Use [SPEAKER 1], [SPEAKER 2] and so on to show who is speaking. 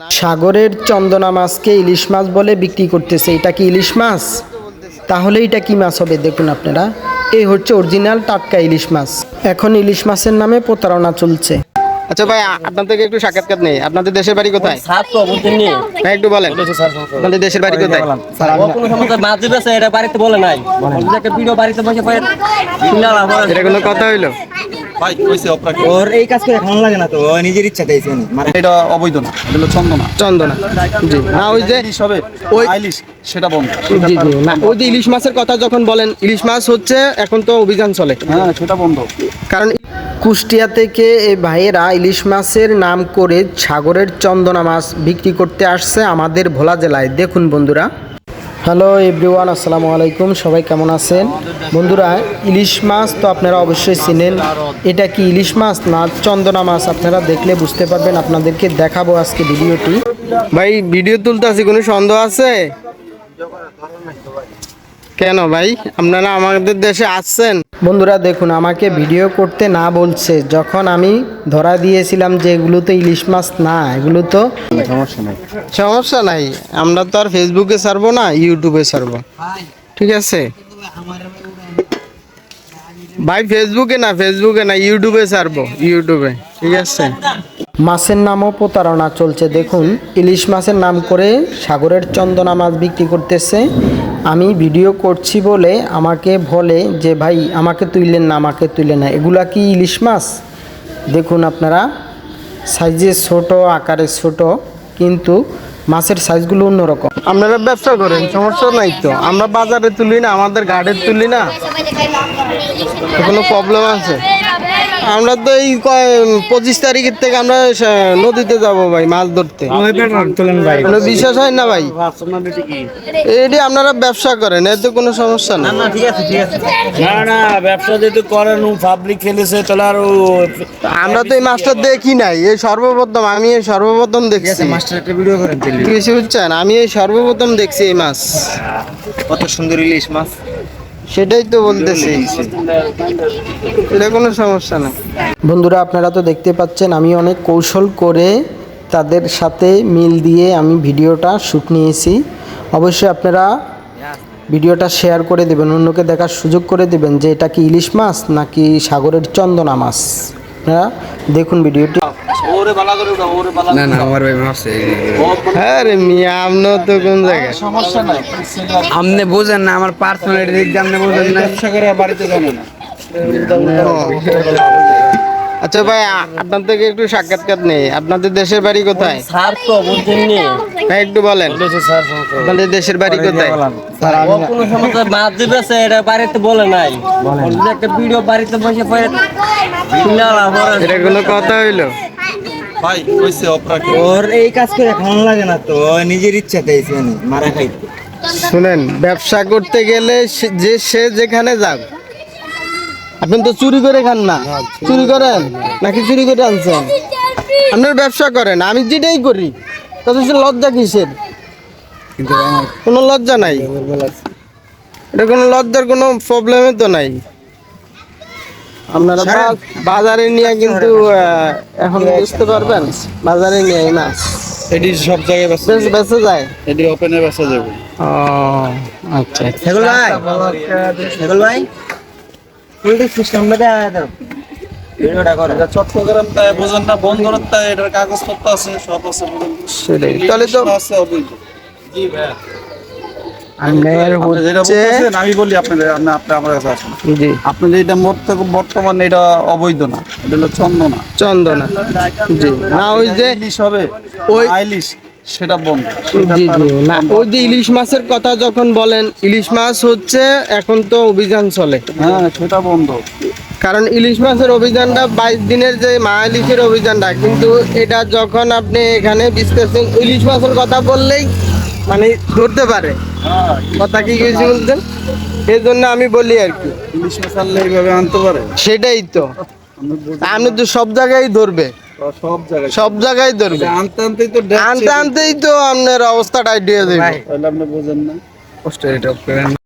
[SPEAKER 1] সাগরের চন্দনা মাছকে ইলিশ মাছ বলে বিক্রি করতেছে। এটা কি ইলিশ মাছ? তাহলে এটা কি মাছ হবে? দেখুন আপনারা, এই হচ্ছে অরিজিনাল টাটকা ইলিশ মাছ। এখন ইলিশ মাছের নামে প্রতারণা চলছে।
[SPEAKER 2] আচ্ছা ভাই, আপনার থেকে একটু সাক্ষাৎকার নেই। আপনাদের দেশের বাড়ি কোথায়? হ্যাঁ, একটু বলেন আপনাদের দেশের বাড়ি কোথায়? এটা কোনো কথা হইলো?
[SPEAKER 3] ওর এই কাজ করে ভালো লাগে না তো, ও নিজের ইচ্ছা চাইছে
[SPEAKER 4] এটা অবৈধ না, এটা হলো চন্দনা।
[SPEAKER 2] চন্দনা, জি না, ওই যে
[SPEAKER 4] হবে
[SPEAKER 2] ওই
[SPEAKER 4] আইলিশ সেটা বন্ধ।
[SPEAKER 2] জি জি না, ওই যে ইলিশ মাছের কথা যখন বলেন, ইলিশ মাছ হচ্ছে এখন তো অভিযান চলে,
[SPEAKER 4] হ্যাঁ সেটা বন্ধ।
[SPEAKER 2] কারণ
[SPEAKER 1] কুষ্টিয়া থেকে এই ভাইয়েরা ইলিশ মাছের নাম করে সাগরের চন্দনা মাছ বিক্রি করতে আসছে আমাদের ভোলা জেলায়। দেখুন বন্ধুরা। হ্যালো এভরিওয়ান, আসসালামু আলাইকুম। সবাই কেমন আছেন? বন্ধুরা, ইলিশ মাছ তো আপনারা অবশ্যই চিনেন। এটা কি ইলিশ মাছ না চন্দনা মাছ আপনারা দেখলে বুঝতে পারবেন। আপনাদেরকে দেখাবো আজকে ভিডিওটি।
[SPEAKER 2] ভাই ভিডিও তুলতে আছি, কোনো সন্দেহ আছে? কেন ভাই, আপনারা আমাদের দেশে আসছেন?
[SPEAKER 1] বন্ধুরা দেখুন, আমাকে ভিডিও করতে না বলছে, যখন আমি ধরা দিয়েছিলাম যে এগুলো তো ইলিশ মাছ না, এগুলো তো
[SPEAKER 2] সমস্যা নাই, আমরা তো আর ফেসবুকে ছাড়বো না, ইউটিউবে ছাড়বো, ঠিক আছে ভাই? ফেসবুকে না ইউটিউবে ছাড়বো, ইউটিউবে, ঠিক আছে।
[SPEAKER 1] মাছের নামও প্রতারণা চলছে। দেখুন, ইলিশ মাছের নাম করে সাগরের চন্দনা মাছ বিক্রি করতেছে। আমি ভিডিও করছি বলে আমাকে বলে যে ভাই আমাকে তুললেন না, আমাকে তুললেন না। এগুলা কি ইলিশ মাছ? দেখুন আপনারা, সাইজে ছোট, আকারে ছোট, কিন্তু মাছের সাইজগুলো অন্যরকম।
[SPEAKER 2] আপনারা ব্যবসা করেন, সমস্যা নাই তো। আমরা বাজারে তুলি না, আমাদের ঘাটে তুলি না, কোনো প্রবলেম আছে? আমরা তো এই 25 তারিখের থেকে আমরা নদীতে যাব ভাই মাছ ধরতে। কোনো বিশ্বাস হয় না ভাই? এটি আপনারা ব্যবসা করেন, এতে কোনো সমস্যা না।
[SPEAKER 3] না ব্যবসা যেহেতু করেন, পাবলিক খেলেছে তাহলে আর
[SPEAKER 2] আমরা তো এই মাছটা দেখি নাই, এই সর্বপ্রথম, আমি এই সর্বপ্রথম দেখছি।
[SPEAKER 3] মাস্টার একটা ভিডিও করেন
[SPEAKER 2] কিছু বুঝছেন, আমি এই সর্বপ্রথম দেখছি এই মাছ।
[SPEAKER 3] কত সুন্দর ইলিশ মাছ।
[SPEAKER 2] সেটাই তো বলতেছি, এটা কোনো সমস্যা না।
[SPEAKER 1] বন্ধুরা আপনারা তো দেখতে পাচ্ছেন, আমি অনেক কৌশল করে তাদের সাথে মিল দিয়ে আমি ভিডিওটা শ্যুট নিয়েছি। অবশ্যই আপনারা ভিডিওটা শেয়ার করে দেবেন, অন্যকে দেখার সুযোগ করে দেবেন যে এটা কি ইলিশ মাছ নাকি সাগরের চন্দনা মাছ। আপনারা দেখুন ভিডিওটি।
[SPEAKER 3] না আমার ভাই মারছে।
[SPEAKER 2] হ্যাঁ রে মিয়া, আপনিও তো কোন জায়গায়?
[SPEAKER 4] সমস্যা নাই,
[SPEAKER 3] আপনি বোঝেন না আমার পার্সোনালিটি দিক দিয়ে, আপনি বোঝেন না।
[SPEAKER 4] ব্যবসা করে বাড়িতে জানে না।
[SPEAKER 2] আচ্ছা ভাই, আপনার থেকে একটু সাক্ষাৎকার নেই। আপনাদের দেশের বাড়ি কোথায়?
[SPEAKER 3] স্যার তো বুঝছেননি,
[SPEAKER 2] ভাই একটু বলেন আপনাদের দেশের বাড়ি কোথায়?
[SPEAKER 3] ও কোনো সমস্যা মাছ দিবেছে, এটা বাড়িতে বলে নাই। একটা ভিডিও বাড়িতে বসে পড়ে
[SPEAKER 2] এটা কোনো কথা হইলো?
[SPEAKER 4] ভাই কইছে অপরাধ।
[SPEAKER 3] ওর এই কাজ করে ভালো লাগে না তো, ও নিজের ইচ্ছা চাইছে মারা খাইতে।
[SPEAKER 2] শুনেন, ব্যবসা করতে গেলে সে যেখানে যাক, আপনি তো চুরি করে খান না? চুরি করেন নাকি চুরি করে আনছেন? আপনার ব্যবসা করেন, আমি যেটাই করি, তাতে লজ্জা কিসের? কোনো লজ্জা নাই, এটা কোনো লজ্জার কোনো প্রবলেমই তো নাই। আপনারা বাজারে নিয়ে কিন্তু এখন বুঝতে পারবেন, বাজারে নিয়ে না
[SPEAKER 4] এটি সব জায়গায়
[SPEAKER 2] বেঁচে যায়,
[SPEAKER 4] এটি ওপেনে বেচা যাবে।
[SPEAKER 2] ও আচ্ছা।
[SPEAKER 3] হেগুল ভাই পুলিশ সিস্টেমটা দাও, ভিডিওটা করে।
[SPEAKER 4] চট্টগ্রাম তাই বোঝেন না, বন্দরের তাই এটার কাগজপত্র আছে, সব আছে।
[SPEAKER 2] সেটাই তাহলে তো
[SPEAKER 4] আছে অবৈধ। জি ভাই,
[SPEAKER 2] আপনার হচ্ছে,
[SPEAKER 4] আমি বলি আপনাদের, আপনি আমার কাছে আসেন।
[SPEAKER 2] জি
[SPEAKER 4] আপনি যেটা বর্তমানে এটা অবৈধ না, এটা হলো চন্দনা।
[SPEAKER 2] চন্দনা, জি না, ওই যে
[SPEAKER 4] ইলিশ হবে
[SPEAKER 2] ওই
[SPEAKER 4] আইলিশ সেটা বন্ধ।
[SPEAKER 2] জি জি না, ওই যে ইলিশ মাছের কথা যখন বলেন, ইলিশ মাছ হচ্ছে এখন তো অভিযান চলে,
[SPEAKER 4] হ্যাঁ সেটা বন্ধ।
[SPEAKER 2] কারণ ইলিশ মাছের অভিযানটা 22 দিনের যে মা ইলিশের অভিযানটা, কিন্তু এটা যখন আপনি এখানে বিশ্লেষণ ইলিশ মাছের কথা বললেই মানে ধরতে পারে কথা, কি কিছু বলছেন, এই জন্য আমি বলি আর কি।
[SPEAKER 4] ইলিশ মাছ আনলে এইভাবে আনতে পারে?
[SPEAKER 2] সেটাই তো, আপনি তো সব জায়গায় ধরবে,
[SPEAKER 4] সব জায়গায়
[SPEAKER 2] ধরবে,
[SPEAKER 4] আনতে আনতেই তো
[SPEAKER 2] আনতেই তো আপনার অবস্থা টাইট হয়ে যাবে।
[SPEAKER 4] তাহলে আপনি বোঝেন না।
[SPEAKER 3] কষ্ট এটা করেন।